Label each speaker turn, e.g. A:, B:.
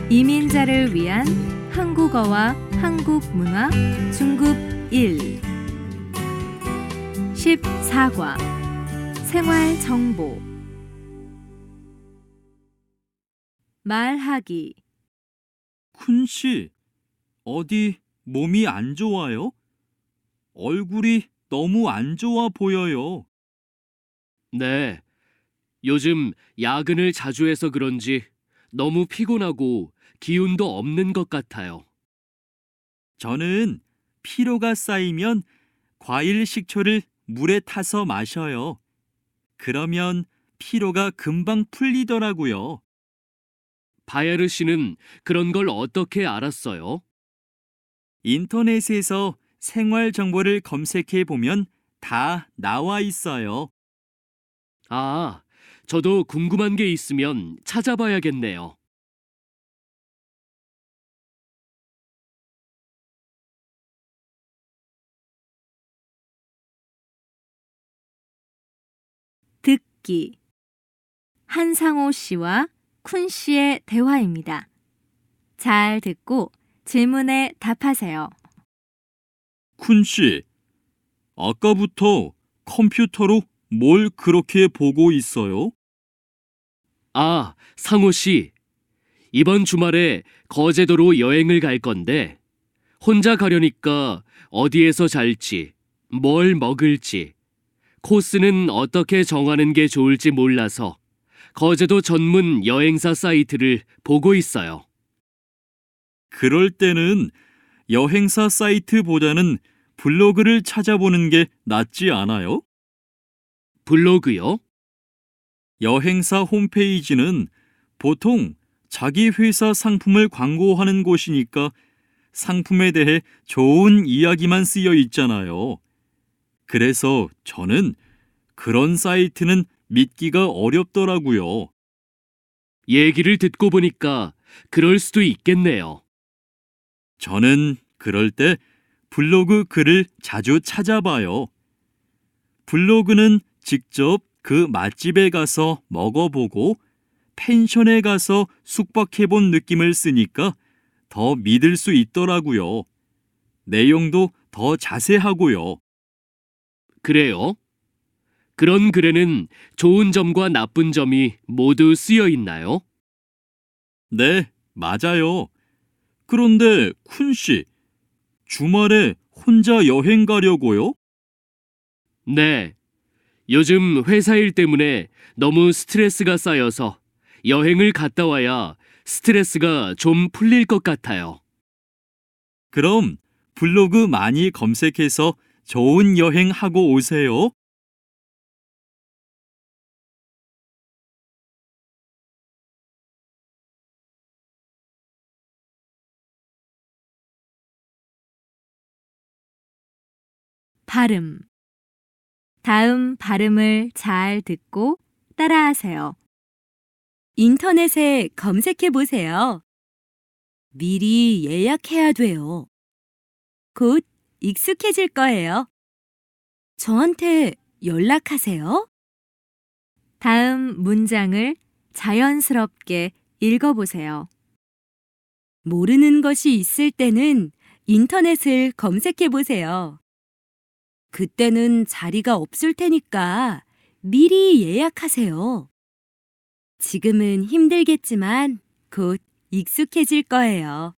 A: 이민자를 위한 한국어와 한국 문화 중급 1 14과 생활 정보 말하기
B: 쿤씨, 어디 몸이 안 좋아요? 얼굴이 너무 안 좋아 보여요.
C: 네, 요즘 야근을 자주 해서 그런지 너무 피곤하고 기운도 없는 것 같아요.
B: 저는 피로가 쌓이면 과일 식초를 물에 타서 마셔요. 그러면 피로가 금방 풀리더라고요.
C: 바야르 씨는 그런 걸 어떻게 알았어요?
B: 인터넷에서 생활 정보를 검색해 보면 다 나와 있어요.
C: 아, 저도 궁금한 게 있으면 찾아봐야겠네요.
A: 듣기 한상호 씨와 쿤 씨의 대화입니다. 잘 듣고 질문에 답하세요.
B: 쿤씨, 아까부터 컴퓨터로 뭘 그렇게 보고 있어요?
C: 아, 상호 씨. 이번 주말에 거제도로 여행을 갈 건데 혼자 가려니까 어디에서 잘지, 뭘 먹을지, 코스는 어떻게 정하는 게 좋을지 몰라서 거제도 전문 여행사 사이트를 보고 있어요.
B: 그럴 때는 여행사 사이트보다는 블로그를 찾아보는 게 낫지 않아요?
C: 블로그요?
B: 여행사 홈페이지는 보통 자기 회사 상품을 광고하는 곳이니까 상품에 대해 좋은 이야기만 쓰여 있잖아요. 그래서 저는 그런 사이트는 믿기가 어렵더라고요.
C: 얘기를 듣고 보니까 그럴 수도 있겠네요.
B: 저는 그럴 때 블로그 글을 자주 찾아봐요. 블로그는 직접 그 맛집에 가서 먹어보고 펜션에 가서 숙박해본 느낌을 쓰니까 더 믿을 수 있더라고요. 내용도 더 자세하고요.
C: 그래요? 그런 글에는 좋은 점과 나쁜 점이 모두 쓰여 있나요?
B: 네, 맞아요. 그런데 쿤씨, 주말에 혼자 여행 가려고요?
C: 네. 요즘 회사 일 때문에 너무 스트레스가 쌓여서 여행을 갔다 와야 스트레스가 좀 풀릴 것 같아요.
B: 그럼 블로그 많이 검색해서 좋은 여행 하고 오세요.
A: 발음 다음 발음을 잘 듣고 따라하세요. 인터넷에 검색해 보세요. 미리 예약해야 돼요. 곧 익숙해질 거예요. 저한테 연락하세요. 다음 문장을 자연스럽게 읽어보세요. 모르는 것이 있을 때는 인터넷을 검색해 보세요. 그때는 자리가 없을 테니까 미리 예약하세요. 지금은 힘들겠지만 곧 익숙해질 거예요.